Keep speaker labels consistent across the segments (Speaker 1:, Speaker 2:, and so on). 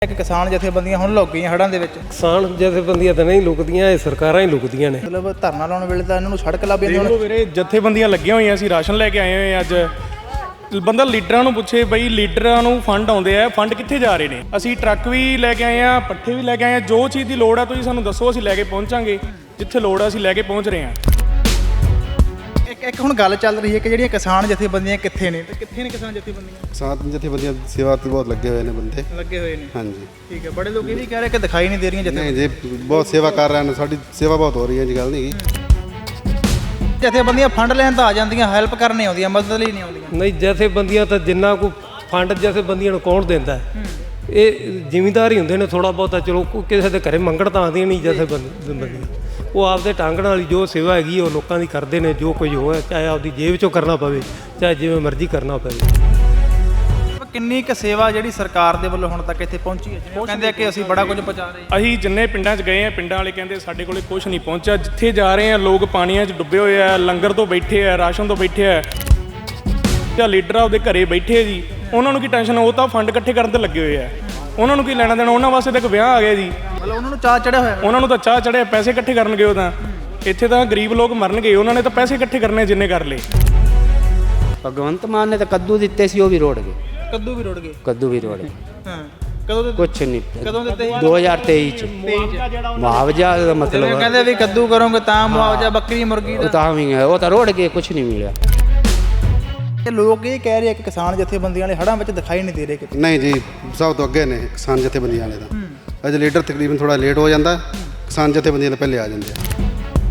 Speaker 1: ਇੱਕ ਕਿਸਾਨ ਜਥੇਬੰਦੀਆਂ ਹੁਣ ਲੁਕ ਗਈਆਂ ਹੜ੍ਹਾਂ ਦੇ ਵਿੱਚ।
Speaker 2: ਕਿਸਾਨ ਜਥੇਬੰਦੀਆਂ ਤਾਂ ਨਹੀਂ ਲੁਕਦੀਆਂ, ਇਹ ਸਰਕਾਰਾਂ ਹੀ ਲੁਕਦੀਆਂ ਨੇ।
Speaker 1: ਮਤਲਬ ਧਰਨਾ ਲਾਉਣ ਵੇਲੇ ਤਾਂ ਇਹਨਾਂ ਨੂੰ ਸੜਕ ਲੱਭ ਜਾਂਦੀ। ਹੁਣ
Speaker 3: ਵੀਰੇ ਜਥੇਬੰਦੀਆਂ ਲੱਗੀਆਂ ਹੋਈਆਂ ਸੀ, ਰਾਸ਼ਨ ਲੈ ਕੇ ਆਏ ਹੋਏ ਅੱਜ। ਬੰਦਾ ਲੀਡਰਾਂ ਨੂੰ ਪੁੱਛੇ ਬਈ ਲੀਡਰਾਂ ਨੂੰ ਫੰਡ ਆਉਂਦੇ ਆ, ਫੰਡ ਕਿੱਥੇ ਜਾ ਰਹੇ ਨੇ? ਅਸੀਂ ਟਰੱਕ ਵੀ ਲੈ ਕੇ ਆਏ ਆ, ਪੱਠੇ ਵੀ ਲੈ ਕੇ ਆਏ ਆ। ਜੋ ਚੀਜ਼ ਦੀ ਲੋੜ ਆ ਤੁਸੀਂ ਸਾਨੂੰ ਦੱਸੋ, ਅਸੀਂ ਲੈ ਕੇ ਪਹੁੰਚਾਂਗੇ। ਜਿੱਥੇ ਲੋੜ ਆ ਅਸੀਂ ਲੈ ਕੇ ਪਹੁੰਚ ਰਹੇ ਹਾਂ।
Speaker 1: ਇੱਕ ਹੁਣ ਗੱਲ ਚੱਲ ਰਹੀ ਹੈ ਕਿ ਜਿਹੜੀਆਂ ਕਿਸਾਨ ਜਥੇਬੰਦੀਆਂ ਕਿੱਥੇ ਨੇ ਤੇ ਕਿੱਥੇ ਨੇ ਕਿਸਾਨ ਜਥੇਬੰਦੀਆਂ?
Speaker 4: ਕਿਸਾਨ ਜਥੇਬੰਦੀਆਂ ਸੇਵਾ ਤੇ ਬਹੁਤ ਲੱਗੇ ਹੋਏ ਨੇ ਬੰਦੇ।
Speaker 1: ਲੱਗੇ ਹੋਏ ਨੇ,
Speaker 4: ਹਾਂਜੀ
Speaker 1: ਠੀਕ ਹੈ। ਬੜੇ ਲੋਕ ਇਹ ਵੀ ਕਹਿ ਰਹੇ ਕਿ ਦਿਖਾਈ ਨਹੀਂ ਦੇ ਰਹੀਆਂ
Speaker 4: ਨਹੀਂ ਜੀ, ਬਹੁਤ ਸੇਵਾ ਕਰ ਰਹੇ ਨੇ, ਸਾਡੀ ਸੇਵਾ ਬਹੁਤ ਹੋ ਰਹੀ ਹੈ ਜੀ, ਗੱਲ ਨਹੀਂ
Speaker 1: ਜਥੇਬੰਦੀਆਂ ਫੰਡ ਲੈਣ ਤਾਂ ਆ ਜਾਂਦੀਆਂ, ਹੈਲਪ ਕਰਨ ਨਹੀਂ ਆਉਂਦੀਆਂ, ਮਦਦ ਲਈ ਨਹੀਂ ਆਉਂਦੀਆਂ।
Speaker 2: ਨਹੀਂ, ਜਥੇਬੰਦੀਆਂ ਤਾਂ ਜਿੰਨਾ ਕੋ ਫੰਡ ਜਥੇਬੰਦੀਆਂ ਨੂੰ ਕੌਣ ਦਿੰਦਾ? ਇਹ ਜ਼ਿਮੀਂਦਾਰ ਹੀ ਹੁੰਦੇ ਨੇ ਥੋੜਾ ਬਹੁਤਾ। ਚਲੋ ਕਿਸੇ ਦੇ ਘਰੇ ਮੰਗਣ ਤਾਂ ਆਉਂਦੀਆਂ ਨਹੀਂ ਜਥੇਬੰਦੀਆਂ। ਉਹ ਆਪਦੇ ਢੰਗ ਨਾਲ ਹੀ ਜੋ ਸੇਵਾ ਹੈਗੀ ਉਹ ਲੋਕਾਂ ਦੀ ਕਰਦੇ ਨੇ। ਜੋ ਕੁਝ ਹੋਇਆ ਚਾਹੇ ਆਪਦੀ ਜੇਬ 'ਚੋਂ ਕਰਨਾ ਪਵੇ, ਚਾਹੇ ਜਿਵੇਂ ਮਰਜ਼ੀ ਕਰਨਾ ਪਵੇ।
Speaker 1: ਕਿੰਨੀ ਕੁ ਸੇਵਾ ਜਿਹੜੀ ਸਰਕਾਰ ਦੇ ਵੱਲੋਂ ਹੁਣ ਤੱਕ ਇੱਥੇ ਪਹੁੰਚੀ ਹੈ? ਜਿਵੇਂ ਕਹਿੰਦੇ ਆ ਕਿ ਅਸੀਂ ਬੜਾ ਕੁਝ ਪਹੁੰਚਾ ਰਹੇ ਹਾਂ।
Speaker 3: ਅਸੀਂ ਜਿੰਨੇ ਪਿੰਡਾਂ 'ਚ ਗਏ ਆ, ਪਿੰਡਾਂ ਵਾਲੇ ਕਹਿੰਦੇ ਸਾਡੇ ਕੋਲੇ ਕੁਝ ਨਹੀਂ ਪਹੁੰਚਿਆ। ਜਿੱਥੇ ਜਾ ਰਹੇ ਆ ਲੋਕ ਪਾਣੀਆਂ 'ਚ ਡੁੱਬੇ ਹੋਏ ਆ, ਲੰਗਰ ਤੋਂ ਬੈਠੇ ਆ, ਰਾਸ਼ਨ ਤੋਂ ਬੈਠੇ ਆ, ਜਾਂ ਲੀਡਰ ਆਪਦੇ ਘਰੇ ਬੈਠੇ ਆ ਜੀ। ਉਹਨਾਂ ਨੂੰ ਕੀ ਟੈਨਸ਼ਨ? ਉਹ ਤਾਂ ਫੰਡ ਇਕੱਠੇ ਕਰਨ ਤੇ ਲੱਗੇ ਹੋਏ ਆ। ਉਹਨਾਂ ਨੂੰ ਕੀ ਲੈਣਾ ਦੇਣਾ? ਉਹਨਾਂ ਵਾਸਤੇ ਤਾਂ ਇੱਕ ਵਿਆਹ ਆ ਗਿਆ ਜੀ।
Speaker 1: ਮਤਲਬ ਉਹਨਾਂ ਨੂੰ ਚਾਹ ਚੜਿਆ ਹੋਇਆ।
Speaker 3: ਉਹਨਾਂ ਨੂੰ ਤਾਂ ਚਾਹ ਚੜਿਆ, ਪੈਸੇ ਇਕੱਠੇ ਕਰਨਗੇ। ਉਹ ਤਾਂ ਇੱਥੇ ਤਾਂ ਗਰੀਬ ਲੋਕ ਮਰਨਗੇ, ਉਹਨਾਂ ਨੇ ਤਾਂ ਪੈਸੇ ਇਕੱਠੇ ਕਰਨੇ ਜਿੰਨੇ ਕਰ ਲਏ।
Speaker 5: ਭਗਵੰਤ ਮਾਨ ਨੇ ਤਾਂ ਕੱਦੂ ਦਿੱਤੇ ਸੀ, ਉਹ ਵੀ ਰੋੜ ਗਏ।
Speaker 1: ਕੱਦੂ ਵੀ ਰੁੜ ਗਏ।
Speaker 5: ਕੱਦੂ ਵੀ ਰੋੜ ਗਏ।
Speaker 1: ਹਾਂ, ਕਦੋਂ ਦਿੱਤੇ?
Speaker 5: ਕੁਛ ਨਹੀਂ।
Speaker 1: ਕਦੋਂ ਦਿੱਤੇ ਸੀ?
Speaker 5: 2023 ਚ ਮੁਆਵਜ਼ਾ ਦਾ ਮਤਲਬ
Speaker 1: ਕਹਿੰਦੇ ਵੀ ਕੱਦੂ ਕਰੋਗੇ ਤਾਂ ਮੁਆਵਜ਼ਾ, ਬੱਕਰੀ ਮੁਰਗੀ
Speaker 5: ਉਹ
Speaker 1: ਦਾ।
Speaker 5: ਤਾਂ ਵੀ ਹੈ, ਉਹ ਤਾਂ ਰੋੜ ਗਏ, ਕੁਛ ਨਹੀਂ ਮਿਲਿਆ।
Speaker 1: ਇਹ ਲੋਕ ਇਹ ਕਹਿ ਰਹੇ ਆ ਕਿ ਕਿਸਾਨ ਜਥੇਬੰਦੀਆਂ ਵਾਲੇ ਹੜ੍ਹਾਂ ਵਿੱਚ ਦਿਖਾਈ ਨਹੀਂ ਦੇ ਰਹੇ ਕਿਤੇ।
Speaker 4: ਨਹੀਂ ਜੀ, ਸਭ ਤੋਂ ਅੱਗੇ ਨੇ ਕਿਸਾਨ ਜਥੇਬੰਦੀਆਂ ਵਾਲੇ ਤਾਂ। ਅਜੇ ਲੀਡਰ ਤਕਰੀਬਨ ਥੋੜਾ ਲੇਟ ਹੋ ਜਾਂਦਾ, ਕਿਸਾਨ ਜਥੇਬੰਦੀਆਂ ਤਾਂ ਪਹਿਲੇ ਆ ਜਾਂਦੇ ਆ।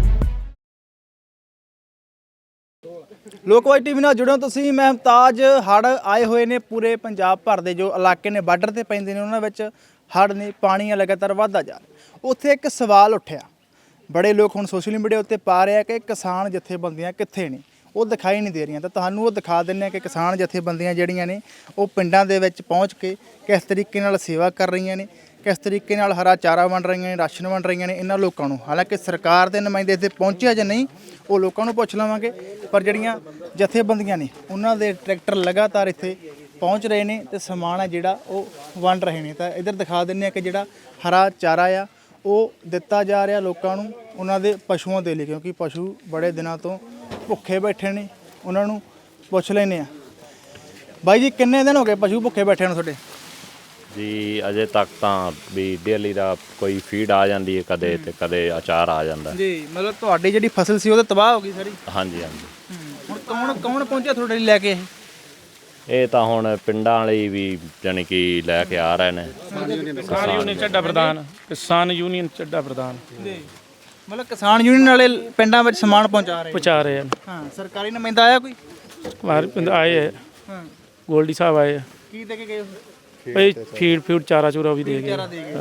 Speaker 1: ਲੋਕਵਾਈ ਟੀਵੀ ਨਾਲ ਜੁੜਿਓ ਤੁਸੀਂ। ਮੈਂ ਮੁਮਤਾਜ। ਹੜ੍ਹ ਆਏ ਹੋਏ ਨੇ ਪੂਰੇ ਪੰਜਾਬ ਭਰ ਦੇ ਜੋ ਇਲਾਕੇ ਨੇ ਬਾਰਡਰ ਤੇ ਪੈਂਦੇ ਨੇ, ਉਹਨਾਂ ਵਿੱਚ ਹੜ੍ਹ ਨੇ, ਪਾਣੀ ਲਗਾਤਾਰ ਵੱਧਦਾ ਜਾ ਰਿਹਾ। ਉੱਥੇ ਇੱਕ ਸਵਾਲ ਉੱਠਿਆ, ਬੜੇ ਲੋਕ ਹੁਣ ਸੋਸ਼ਲ ਮੀਡੀਆ ਉੱਤੇ ਪਾ ਰਹੇ ਆ ਕਿ ਕਿਸਾਨ ਜਥੇਬੰਦੀਆਂ ਕਿੱਥੇ ਨੇ, ਉਹ ਦਿਖਾਈ ਨਹੀਂ ਦੇ ਰਹੀਆਂ। ਤਾਂ ਤੁਹਾਨੂੰ ਉਹ ਦਿਖਾ ਦਿੰਦੇ ਆ ਕਿ ਕਿਸਾਨ ਜਥੇਬੰਦੀਆਂ ਜਿਹੜੀਆਂ ਨੇ ਉਹ ਪਿੰਡਾਂ ਦੇ ਵਿੱਚ ਪਹੁੰਚ ਕੇ ਕਿਸ ਤਰੀਕੇ ਨਾਲ ਸੇਵਾ ਕਰ ਰਹੀਆਂ ਨੇ, ਕਿਸ ਤਰੀਕੇ ਨਾਲ ਹਰਾ ਚਾਰਾ ਵੰਡ ਰਹੀਆਂ ਨੇ, ਰਾਸ਼ਨ ਵੰਡ ਰਹੀਆਂ ਨੇ ਇਹਨਾਂ ਲੋਕਾਂ ਨੂੰ। ਹਾਲਾਂਕਿ ਸਰਕਾਰ ਦੇ ਨੁਮਾਇੰਦੇ ਇੱਥੇ ਪਹੁੰਚਿਆ ਜਾਂ ਨਹੀਂ ਉਹ ਲੋਕਾਂ ਨੂੰ ਪੁੱਛ ਲਵਾਂਗੇ, ਪਰ ਜਿਹੜੀਆਂ ਜਥੇਬੰਦੀਆਂ ਨੇ ਉਹਨਾਂ ਦੇ ਟਰੈਕਟਰ ਲਗਾਤਾਰ ਇੱਥੇ ਪਹੁੰਚ ਰਹੇ ਨੇ ਤੇ ਸਮਾਨ ਹੈ ਜਿਹੜਾ ਉਹ ਵੰਡ ਰਹੇ ਨੇ। ਤਾਂ ਇੱਧਰ ਦਿਖਾ ਦਿੰਦੇ ਆ ਕਿ ਜਿਹੜਾ ਹਰਾ ਚਾਰਾ ਆ ਉਹ ਦਿੱਤਾ ਜਾ ਰਿਹਾ ਲੋਕਾਂ ਨੂੰ, ਉਹਨਾਂ ਦੇ ਪਸ਼ੂਆਂ ਦੇ ਲਈ, ਕਿਉਂਕਿ ਪਸ਼ੂ ਬੜੇ ਦਿਨਾਂ ਤੋਂ ਭੁੱਖੇ ਬੈਠੇ ਨੇ। ਉਹਨਾਂ ਨੂੰ ਪੁੱਛ ਲੈਂਦੇ ਆ। ਬਾਈ ਜੀ, ਕਿੰਨੇ ਦਿਨ ਹੋ ਗਏ ਪਸ਼ੂ ਭੁੱਖੇ ਬੈਠੇ ਨੂੰ ਤੁਹਾਡੇ?
Speaker 6: ਜੀ ਅਜੇ ਤੱਕ ਤਾਂ ਵੀ ਡੇਲੀ ਦਾ ਕੋਈ ਫੀਡ ਆ ਜਾਂਦੀ ਹੈ, ਕਦੇ ਤੇ ਕਦੇ ਅਚਾਰ ਆ ਜਾਂਦਾ
Speaker 1: ਜੀ। ਮਤਲਬ ਤੁਹਾਡੀ ਜਿਹੜੀ ਫਸਲ ਸੀ ਉਹ ਤਾਂ ਤਬਾਹ ਹੋ ਗਈ ਸਾਰੀ?
Speaker 6: ਹਾਂਜੀ ਹਾਂਜੀ।
Speaker 1: ਹੁਣ ਕੌਣ ਪਹੁੰਚਿਆ ਤੁਹਾਡੇ ਲਈ ਲੈ ਕੇ?
Speaker 6: ਇਹ ਤਾਂ ਹੁਣ ਪਿੰਡਾਂ ਵਾਲੇ ਵੀ ਜਾਣੀ ਕਿ ਲੈ ਕੇ ਆ ਰਹੇ ਨੇ।
Speaker 3: ਕਿਸਾਨ ਯੂਨੀਅਨ ਚੱਡਾ ਪ੍ਰਧਾਨ, ਕਿਸਾਨ ਯੂਨੀਅਨ ਚੱਡਾ ਪ੍ਰਧਾਨ
Speaker 1: ਜੀ। ਮਤਲਬ ਕਿਸਾਨ ਯੂਨੀਅਨ ਵਾਲੇ ਪਿੰਡਾਂ ਵਿੱਚ ਸਮਾਨ ਪਹੁੰਚਾ ਰਹੇ?
Speaker 3: ਪਹੁੰਚਾ ਰਹੇ ਹਨ।
Speaker 1: ਹਾਂ, ਸਰਕਾਰੀ ਨੁਮਾਇੰਦਾ ਆਇਆ ਕੋਈ?
Speaker 3: ਹਮਾਰੇ ਪਿੰਡ ਆਏ ਹੈ,
Speaker 1: ਹਾਂ।
Speaker 3: ਗੋਲਡੀ ਸਾਹਿਬ ਆਏ ਹੈ।
Speaker 1: ਕੀ ਦੇ ਕੇ ਗਏ?
Speaker 3: ਭਾਈ ਫੀਡ ਚਾਰਾ ਚੂਰਾ ਵੀ ਦੇ ਗਏ।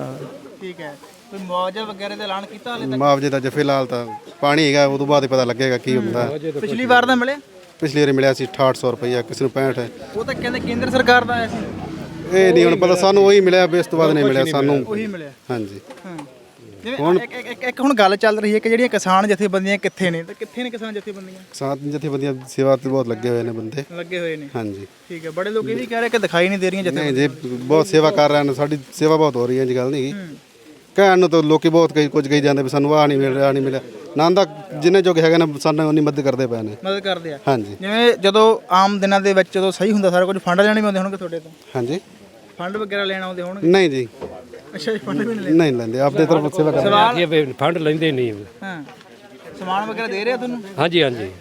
Speaker 1: ਠੀਕ ਹੈ। ਕੋਈ ਮੁਆਵਜ਼ਾ ਵਗੈਰਾ ਦਾ ਐਲਾਨ ਕੀਤਾ ਹਾਲੇ ਤੱਕ?
Speaker 4: ਮੁਆਵਜ਼ੇ ਦਾ ਜੇ ਫਿਲਹਾਲ ਤਾਂ ਪਾਣੀ ਹੈਗਾ, ਉਦੋਂ ਬਾਅਦ ਹੀ ਪਤਾ ਲੱਗੇਗਾ ਕੀ ਹੁੰਦਾ।
Speaker 1: ਪਿਛਲੀ ਵਾਰ ਦਾ ਮਿਲਿਆ?
Speaker 4: ਪਿਛਲੀ ਵਾਰੀ ਮਿਲਿਆ ਸੀ 6800 ਰੁਪਈਆ, ਕਿਸੇ ਨੂੰ 65 ਹੈ।
Speaker 1: ਉਹ ਤਾਂ ਕਹਿੰਦੇ ਕੇਂਦਰ ਸਰਕਾਰ ਦਾ ਆਇਆ ਸੀ।
Speaker 4: ਇਹ ਨਹੀਂ ਹੁਣ ਪਤਾ, ਸਾਨੂੰ ਉਹੀ ਮਿਲਿਆ, ਇਸ ਤੋਂ ਬਾਅਦ ਨਹੀਂ ਮਿਲਿਆ ਸਾਨੂੰ।
Speaker 1: ਉਹੀ ਮਿਲਿਆ।
Speaker 4: ਹਾਂਜੀ।
Speaker 1: ਹਾਂ। ਜਿਵੇਂ ਇੱਕ ਹੁਣ ਗੱਲ ਚੱਲ ਰਹੀ ਹੈ ਕਿ ਜਿਹੜੀਆਂ ਕਿਸਾਨ ਜਥੇਬੰਦੀਆਂ ਕਿੱਥੇ ਨੇ ਤੇ ਕਿੱਥੇ ਨੇ ਕਿਸਾਨ ਜਥੇਬੰਦੀਆਂ?
Speaker 4: ਕਿਸਾਨ ਜਥੇਬੰਦੀਆਂ ਸੇਵਾ ਤੇ ਬਹੁਤ ਲੱਗੇ ਹੋਏ ਨੇ ਬੰਦੇ।
Speaker 1: ਲੱਗੇ ਹੋਏ ਨੇ,
Speaker 4: ਹਾਂਜੀ।
Speaker 1: ਠੀਕ ਹੈ। ਬੜੇ ਲੋਕ ਇਹ ਵੀ ਕਹਿ ਰਹੇ ਕਿ ਦਿਖਾਈ ਨਹੀਂ ਦੇ ਰਹੀਆਂ
Speaker 4: ਨਹੀਂ ਜੀ, ਬਹੁਤ ਸੇਵਾ ਕਰ ਰਹੇ ਨੇ, ਸਾਡੀ ਸੇਵਾ ਬਹੁਤ ਹੋ ਰਹੀ ਹੈ ਜੀ, ਗੱਲ ਨਹੀਂ ਕਹਿਣ ਨੂੰ ਤਾਂ ਲੋਕੀ ਬਹੁਤ ਕੁਝ ਕਹੀ ਜਾਂਦੇ ਵੀ ਸਾਨੂੰ ਆਹ ਨਹੀਂ ਮਿਲ ਰਿਹਾ, ਆਹ ਨਹੀਂ ਮਿਲਿਆ। ਨਾਂ ਦਾ ਜਿੰਨੇ ਜੋਗੇ ਹੈਗੇ ਨੇ ਸਾਨੂੰ ਉਨੀ ਮਦਦ ਕਰਦੇ ਪਏ ਨੇ।
Speaker 1: ਮਦਦ ਕਰਦੇ ਆ।
Speaker 4: ਹਾਂਜੀ।
Speaker 1: ਜਿਵੇਂ ਜਦੋਂ ਆਮ ਦਿਨਾਂ ਦੇ ਵਿੱਚ ਜਦੋਂ ਸਹੀ ਹੁੰਦਾ ਸਾਰਾ ਕੁਝ, ਫੰਡ ਲੈਣੇ ਵੀ ਆਉਂਦੇ ਹੋਣਗੇ ਤੁਹਾਡੇ ਤੋਂ?
Speaker 4: ਹਾਂਜੀ।
Speaker 1: ਫੰਡ ਵਗੈਰਾ ਲੈਣ ਆਉਂਦੇ ਹੋਣਗੇ?
Speaker 4: ਨਹੀਂ ਜੀ,
Speaker 1: ਅੱਛਾ ਜੀ, ਫੰਡ ਵੀ
Speaker 4: ਨਹੀਂ ਲੈਂਦੇ, ਆਪਦੇ ਤਰਫ ਸੇਵਾ ਕਰਦੇ।
Speaker 2: ਸਵਾਲ ਫੰਡ ਲੈਂਦੇ ਨਹੀਂ।
Speaker 1: ਹਾਂ। ਸਮਾਨ ਵਗੈਰਾ ਦੇ ਰਿਹਾ ਤੁਹਾਨੂੰ?
Speaker 2: ਹਾਂਜੀ ਹਾਂਜੀ,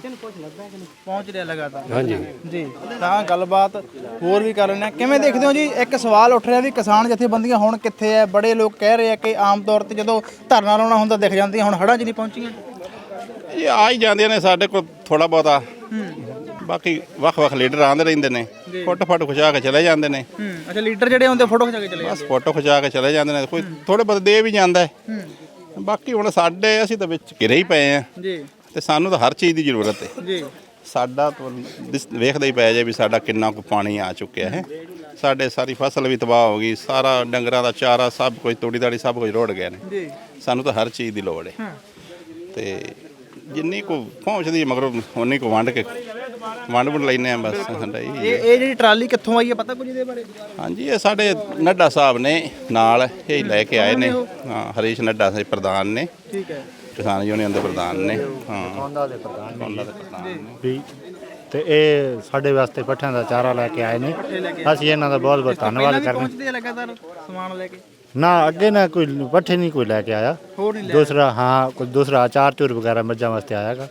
Speaker 1: ਪਹੁੰਚ ਰਿਹਾ ਲਗਾਤਾਰ।
Speaker 2: ਹਾਂਜੀ
Speaker 1: ਜੀ। ਤਾਂ ਗੱਲਬਾਤ ਹੋਰ ਵੀ ਕਰ ਲੈਂਦੇ ਹਾਂ। ਕਿਵੇਂ ਦੇਖਦੇ ਹੋ ਜੀ, ਇੱਕ ਸਵਾਲ ਉੱਠ ਰਿਹਾ ਵੀ ਕਿਸਾਨ ਜਥੇਬੰਦੀਆਂ ਹੁਣ ਕਿੱਥੇ ਹੈ? ਬੜੇ ਲੋਕ ਕਹਿ ਰਹੇ ਆ ਕਿ ਆਮ ਤੌਰ ਤੇ ਜਦੋਂ ਧਰਨਾ ਲਾਉਣਾ ਹੁੰਦਾ ਦਿਖ ਜਾਂਦੀਆਂ, ਹੁਣ ਹੜ੍ਹਾਂ 'ਚ ਨਹੀਂ ਪਹੁੰਚੀਆਂ।
Speaker 7: ਇਹ ਆ ਹੀ ਜਾਂਦੀਆਂ ਨੇ ਸਾਡੇ ਕੋਲ ਥੋੜਾ ਬਹੁਤਾ। ਬਾਕੀ ਵੱਖ-ਵੱਖ ਲੀਡਰ ਆਉਂਦੇ ਰਹਿੰਦੇ ਨੇ, ਫੋਟੋ ਖਿਚਾ ਕੇ ਚਲੇ ਜਾਂਦੇ ਨੇ।
Speaker 1: ਅੱਛਾ, ਲੀਡਰ ਜਿਹੜੇ ਆਉਂਦੇ ਫੋਟੋ ਖਿਚਾ ਕੇ ਚਲੇ ਜਾਂਦੇ?
Speaker 7: ਬਸ ਫੋਟੋ ਖਿਚਾ ਕੇ ਚਲੇ ਜਾਂਦੇ ਨੇ, ਕੋਈ ਥੋੜੇ ਬਹੁਤ ਦੇ ਵੀ ਜਾਂਦਾ ਹੈ। ਬਾਕੀ ਹੁਣ ਸਾਡੇ, ਅਸੀਂ ਤਾਂ ਵਿੱਚ ਘਿਰੇ ਹੀ ਪਏ ਆ
Speaker 1: ਜੀ,
Speaker 7: ਤੇ ਸਾਨੂੰ ਤਾਂ ਹਰ ਚੀਜ਼ ਦੀ ਜ਼ਰੂਰਤ ਹੈ
Speaker 1: ਜੀ।
Speaker 7: ਸਾਡਾ ਵੇਖਦਾ ਹੀ ਪੈ ਜਾਏ ਵੀ ਸਾਡਾ ਕਿੰਨਾ ਕੁ ਪਾਣੀ ਆ ਚੁੱਕਿਆ ਹੈ। ਸਾਡੇ ਸਾਰੀ ਫਸਲ ਵੀ ਤਬਾਹ ਹੋ ਗਈ, ਸਾਰਾ ਡੰਗਰਾਂ ਦਾ ਚਾਰਾ ਸਭ ਕੁਝ, ਤੂੜੀ ਦਾੜੀ ਸਭ ਕੁਝ ਰੁੜ ਗਏ ਨੇ।
Speaker 1: ਜੀ।
Speaker 7: ਸਾਨੂੰ ਤਾਂ ਹਰ ਚੀਜ਼ ਦੀ ਲੋੜ ਹੈ ਤੇ ਜਿੰਨੀ ਕੋ ਪਹੁੰਚਦੀ ਮਗਰੋਂ ਉਨੀ ਕੋ ਵੰਡ ਕੇ ਵੰਡ ਵੰਡ ਲੈਨੇ ਆ ਬਸ ਸਾਡਾ ਜੀ।
Speaker 1: ਇਹ ਜਿਹੜੀ ਟਰਾਲੀ ਕਿੱਥੋਂ ਆਈ ਹੈ ਪਤਾ ਕੁਝ ਇਹਦੇ ਬਾਰੇ?
Speaker 7: ਹਾਂਜੀ ਇਹ ਸਾਡੇ ਨੱਡਾ ਸਾਹਿਬ ਨੇ ਨਾਲ ਇਹ ਲੈ ਕੇ ਆਏ ਨੇ। ਹਾਂ ਹਰੀਸ਼ ਨੱਡਾ ਸਾਹਿਬ ਪ੍ਰਧਾਨ ਨੇ,
Speaker 1: ਠੀਕ ਹੈ,
Speaker 7: ਕਿਸਾਨ ਯੂਨੀਅਨ ਦੇ ਪ੍ਰਧਾਨ ਨੇ। ਹਾਂ ਉਹਨਾਂ ਦੇ ਪ੍ਰਧਾਨ ਨੇ
Speaker 8: ਵੀ ਤੇ ਇਹ ਸਾਡੇ ਵਾਸਤੇ ਪੱਠਿਆਂ ਦਾ ਚਾਰਾ ਲੈ ਕੇ ਆਏ ਨੇ। ਅਸੀਂ ਇਹਨਾਂ ਦਾ ਬਹੁਤ ਬਹੁਤ ਧੰਨਵਾਦ ਕਰਦੇ
Speaker 1: ਪਹੁੰਚਦੇ ਆ ਲਗਾਤਾਰ ਸਮਾਨ ਲੈ ਕੇ?
Speaker 8: ਨਾ ਅੱਗੇ ਨਾ ਕੋਈ ਪੱਠੇ ਨਹੀਂ ਕੋਈ ਲੈ ਕੇ ਆਇਆ,
Speaker 1: ਹੋਰ ਨਹੀਂ ਲੈ
Speaker 8: ਦੂਸਰਾ ਹਾਂ ਕੋਈ ਦੂਸਰਾ ਅਚਾਰ ਚੂਰ ਵਗੈਰਾ ਮੱਝਾਂ ਵਾਸਤੇ ਆਇਆਗਾ।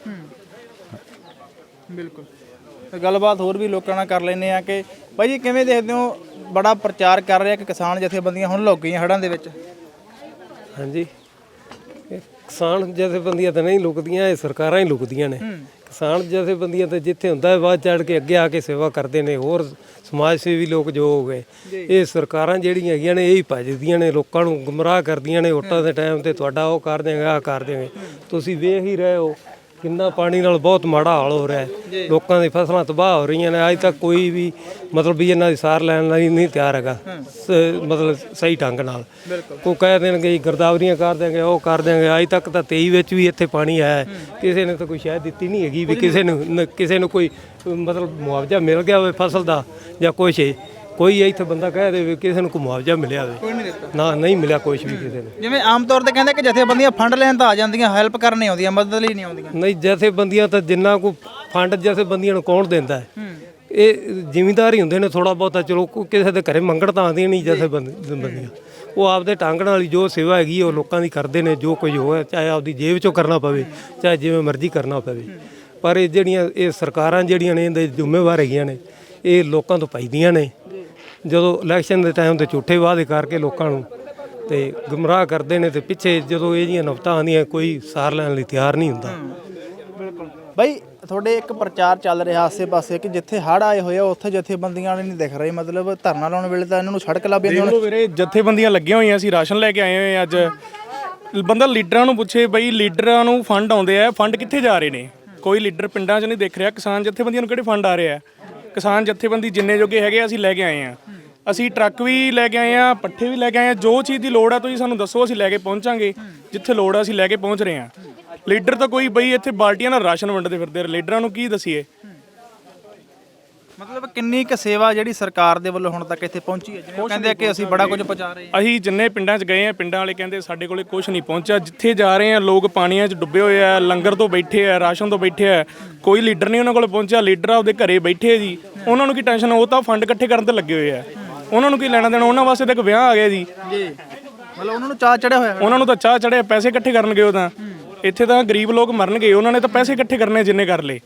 Speaker 1: ਬਿਲਕੁਲ। ਤੇ ਗੱਲਬਾਤ ਹੋਰ ਵੀ ਲੋਕਾਂ ਨਾਲ ਕਰ ਲੈਂਦੇ ਆ ਕਿ ਭਾਈ ਜੀ ਕਿਵੇਂ ਦੇਖਦੇ ਹੋ, ਬੜਾ ਪ੍ਰਚਾਰ ਕਰ ਰਿਹਾ ਕਿ ਕਿਸਾਨ ਜਥੇਬੰਦੀਆਂ ਹੁਣ ਲੁੱਕ ਗਈਆਂ ਹੜ੍ਹਾਂ ਦੇ ਵਿੱਚ?
Speaker 2: ਹਾਂਜੀ, ਇਹ ਕਿਸਾਨ ਜਥੇਬੰਦੀਆਂ ਤਾਂ ਨਹੀਂ ਲੁਕਦੀਆਂ, ਇਹ ਸਰਕਾਰਾਂ ਹੀ ਲੁਕਦੀਆਂ ਨੇ। ਕਿਸਾਨ ਜਥੇਬੰਦੀਆਂ ਤੇ ਜਿੱਥੇ ਹੁੰਦਾ ਹੈ ਬਾਅਦ ਚੜ ਕੇ ਅੱਗੇ ਆ ਕੇ ਸੇਵਾ ਕਰਦੇ ਨੇ। ਹੋਰ ਸਮਾਜ ਸੇਵੀ ਲੋਕ ਜੋ ਹੋ ਗਏ, ਇਹ ਸਰਕਾਰਾਂ ਜਿਹੜੀਆਂ ਹੈਗੀਆਂ ਨੇ ਇਹ ਹੀ ਭਜਦੀਆਂ ਨੇ, ਲੋਕਾਂ ਨੂੰ ਗੁੰਮਰਾਹ ਕਰਦੀਆਂ ਨੇ। ਵੋਟਾਂ ਦੇ ਟਾਈਮ ਤੇ ਤੁਹਾਡਾ ਉਹ ਕਰ ਦੇਂਗੇ, ਆਹ ਕਰ ਦੇਂਗੇ। ਤੁਸੀਂ ਵੇਖ ਹੀ ਰਹੇ ਹੋ ਕਿੰਨਾ ਪਾਣੀ ਨਾਲ ਬਹੁਤ ਮਾੜਾ ਹਾਲ ਹੋ ਰਿਹਾ ਹੈ, ਲੋਕਾਂ ਦੀ ਫਸਲਾਂ ਤਬਾਹ ਹੋ ਰਹੀਆਂ ਨੇ। ਅੱਜ ਤੱਕ ਕੋਈ ਵੀ ਮਤਲਬ ਵੀ ਇਹਨਾਂ ਦੀ ਸਾਰ ਲੈਣ ਲਈ ਨਹੀਂ ਤਿਆਰ ਹੈਗਾ, ਮਤਲਬ ਸਹੀ ਢੰਗ ਨਾਲ। ਉਹ ਕਹਿ ਦੇਣਗੇ ਜੀ ਗਰਦਾਵਰੀਆਂ ਕਰ ਦੇਂਗੇ, ਉਹ ਕਰ ਦੇਂਗੇ। ਅੱਜ ਤੱਕ ਤਾਂ 23 ਵਿੱਚ ਵੀ ਇੱਥੇ ਪਾਣੀ ਆਇਆ, ਕਿਸੇ ਨੇ ਤਾਂ ਕੋਈ ਸ਼ਾਇਦ ਦਿੱਤੀ ਨਹੀਂ ਹੈਗੀ ਵੀ ਕਿਸੇ ਨੂੰ ਕੋਈ ਮਤਲਬ ਮੁਆਵਜ਼ਾ ਮਿਲ ਗਿਆ ਹੋਵੇ ਫਸਲ ਦਾ ਜਾਂ ਕੁਛ। ਕੋਈ ਇੱਥੇ ਬੰਦਾ ਕਹਿ ਦੇ ਵੀ ਕਿਸੇ ਨੂੰ ਕੋਈ ਮੁਆਵਜ਼ਾ ਮਿਲਿਆ ਹੋਵੇ, ਨਾ ਨਹੀਂ ਮਿਲਿਆ ਕੁਛ ਵੀ ਕਿਸੇ ਨੂੰ।
Speaker 1: ਜਿਵੇਂ ਆਮ ਤੌਰ ਤੇ ਕਹਿੰਦੇ ਕਿ ਜਥੇਬੰਦੀਆਂ ਫੰਡ ਲੈਣ ਤਾਂ ਆ ਜਾਂਦੀਆਂ, ਹੈਲਪ ਕਰਨ ਨਹੀਂ ਆਉਂਦੀਆਂ, ਮਦਦ ਲਈ ਨਹੀਂ ਆਉਂਦੀਆਂ।
Speaker 2: ਨਹੀਂ, ਜਥੇਬੰਦੀਆਂ ਤਾਂ ਜਿੰਨਾ ਕੋ ਫੰਡ ਜਥੇਬੰਦੀਆਂ ਨੂੰ ਕੌਣ ਦਿੰਦਾ ਹੈ? ਇਹ ਜ਼ਿਮੀਂਦਾਰ ਹੀ ਹੁੰਦੇ ਨੇ ਥੋੜਾ ਬਹੁਤਾ। ਚਲੋ ਕਿਸੇ ਦੇ ਘਰੇ ਮੰਗਣ ਤਾਂ ਆਉਂਦੀਆਂ ਨਹੀਂ ਜਥੇਬੰਦੀਆਂ। ਉਹ ਆਪਦੇ ਢੰਗ ਨਾਲ ਹੀ ਜੋ ਸੇਵਾ ਹੈਗੀ ਉਹ ਲੋਕਾਂ ਦੀ ਕਰਦੇ ਨੇ। ਜੋ ਕੁਝ ਹੋਇਆ ਚਾਹੇ ਆਪਦੀ ਜੇਬ ਚੋਂ ਕਰਨਾ ਪਵੇ, ਚਾਹੇ ਜਿਵੇਂ ਮਰਜ਼ੀ ਕਰਨਾ ਪਵੇ। ਪਰ ਇਹ ਜਿਹੜੀਆਂ ਇਹ ਸਰਕਾਰਾਂ ਜਿਹੜੀਆਂ ਨੇ ਇਹਦੇ ਜ਼ਿੰਮੇਵਾਰ ਹੈਗੀਆਂ ਨੇ, ਇਹ ਲੋਕਾਂ ਤੋਂ ਪਾਈਦੀਆਂ ਨੇ। ਜਦੋਂ ਇਲੈਕਸ਼ਨ ਦੇ ਟਾਈਮ ਤੇ ਝੂਠੇ ਵਾਅਦੇ ਕਰਕੇ ਲੋਕਾਂ ਨੂੰ ਤੇ ਗੁੰਮਰਾਹ ਕਰਦੇ ਨੇ, ਤੇ ਪਿੱਛੇ ਜਦੋਂ ਇਹ ਜੀਆਂ ਨੌਬਤਾਂ ਆਉਂਦੀਆਂ ਕੋਈ ਸਾਰ ਲੈਣ ਲਈ ਤਿਆਰ ਨਹੀਂ ਹੁੰਦਾ।
Speaker 1: ਬਿਲਕੁਲ ਬਾਈ, ਤੁਹਾਡੇ ਇੱਕ ਪ੍ਰਚਾਰ ਚੱਲ ਰਿਹਾ ਆਸੇ-ਪਾਸੇ ਕਿ ਜਿੱਥੇ ਹੜ੍ਹ ਆਏ ਹੋਏ ਆ ਉੱਥੇ ਜਥੇਬੰਦੀਆਂ ਨਹੀਂ ਦਿਖ ਰਹੀ, ਮਤਲਬ ਧਰਨਾ ਲਾਉਣ ਵੇਲੇ ਤਾਂ ਇਹਨਾਂ ਨੂੰ ਸੜਕ ਲੱਭ ਜਾਂਦੀ।
Speaker 3: ਹੁਣ ਵੀਰੇ ਜਥੇਬੰਦੀਆਂ ਲੱਗੀਆਂ ਹੋਈਆਂ ਸੀ, ਰਾਸ਼ਨ ਲੈ ਕੇ ਆਏ ਹੋਏ ਅੱਜ। ਬੰਦਾ ਲੀਡਰਾਂ ਨੂੰ ਪੁੱਛੇ ਬਈ ਲੀਡਰਾਂ ਨੂੰ ਫੰਡ ਆਉਂਦੇ ਆ, ਫੰਡ ਕਿੱਥੇ ਜਾ ਰਹੇ ਨੇ? ਕੋਈ ਲੀਡਰ ਪਿੰਡਾਂ 'ਚ ਨਹੀਂ ਦਿਖ ਰਿਹਾ। ਕਿਸਾਨ ਜਥੇਬੰਦੀਆਂ ਨੂੰ ਕਿਹੜੇ ਫੰਡ ਆ ਰਹੇ ਆ? ਕਿਸਾਨ ਜਥੇਬੰਦੀ ਜਿੰਨੇ ਜੋਗੇ ਹੈਗੇ ਅਸੀਂ ਲੈ ਕੇ ਆਏ ਆ। ਅਸੀਂ ਟਰੱਕ ਵੀ ਲੈ ਕੇ ਆਏ ਆ, ਪੱਠੇ ਵੀ ਲੈ ਕੇ ਆਏ ਆ। ਜੋ ਚੀਜ਼ ਦੀ ਲੋੜ ਆ ਤੁਸੀਂ ਸਾਨੂੰ ਦੱਸੋ, ਅਸੀਂ ਲੈ ਕੇ ਪਹੁੰਚਾਂਗੇ। ਜਿੱਥੇ ਲੋੜ ਆ ਅਸੀਂ ਲੈ ਕੇ ਪਹੁੰਚ ਰਹੇ ਆ। ਲੀਡਰ ਤਾਂ ਕੋਈ ਬਈ ਇੱਥੇ ਬਾਲਟੀਆਂ ਨਾਲ ਰਾਸ਼ਨ ਵੰਡਦੇ ਫਿਰਦੇ, ਲੀਡਰਾਂ ਨੂੰ ਕੀ ਦਸੀਏ?
Speaker 1: ਮਤਲਬ ਕਿੰਨੀ ਕੁ ਸੇਵਾ ਜਿਹੜੀ ਸਰਕਾਰ ਦੇ ਵੱਲੋਂ ਹੁਣ ਤੱਕ ਇੱਥੇ ਪਹੁੰਚੀ ਹੈ? ਜਿਵੇਂ ਕਹਿੰਦੇ ਆ ਕਿ ਅਸੀਂ ਬੜਾ ਕੁਝ ਪਹੁੰਚਾ ਰਹੇ ਹਾਂ।
Speaker 3: ਅਸੀਂ ਜਿੰਨੇ ਪਿੰਡਾਂ 'ਚ ਗਏ ਆ, ਪਿੰਡਾਂ ਵਾਲੇ ਕਹਿੰਦੇ ਸਾਡੇ ਕੋਲੇ ਕੁਝ ਨਹੀਂ ਪਹੁੰਚਿਆ। ਜਿੱਥੇ ਜਾ ਰਹੇ ਆ ਲੋਕ ਪਾਣੀਆਂ 'ਚ ਡੁੱਬੇ ਹੋਏ ਆ, ਲੰਗਰ ਤੋਂ ਬੈਠੇ ਆ, ਰਾਸ਼ਨ ਤੋਂ ਬੈਠੇ ਆ। ਕੋਈ ਲੀਡਰ ਨਹੀਂ ਉਹਨਾਂ ਕੋਲ ਪਹੁੰਚਿਆ। ਲੀਡਰ ਆਪਦੇ ਘਰੇ ਬੈਠੇ ਜੀ, ਉਹਨਾਂ ਨੂੰ ਕੀ ਟੈਨਸ਼ਨ? ਉਹ ਤਾਂ ਫੰਡ ਇਕੱਠੇ ਕਰਨ ਤੇ ਲੱਗੇ ਹੋਏ ਆ। ਉਹਨਾਂ ਨੂੰ ਕੀ ਲੈਣਾ ਦੇਣਾ? ਉਹਨਾਂ ਵਾਸਤੇ ਤਾਂ ਇੱਕ ਵਿਆਹ ਆ ਗਿਆ ਜੀ।
Speaker 1: ਮਤਲਬ ਉਹਨਾਂ ਨੂੰ ਚਾਹ ਚੜਿਆ ਹੋਇਆ।
Speaker 3: ਉਹਨਾਂ ਨੂੰ ਤਾਂ ਚਾਹ ਚੜਿਆ, ਪੈਸੇ ਇਕੱਠੇ ਕਰਨਗੇ। ਉਹ ਤਾਂ ਇੱਥੇ ਤਾਂ ਗਰੀਬ ਲੋਕ ਮਰਨਗੇ, ਉਹਨਾਂ ਨੇ ਤਾਂ ਪੈਸੇ ਇਕੱਠੇ ਕਰਨੇ ਜਿੰਨੇ ਕਰ ਲਏ।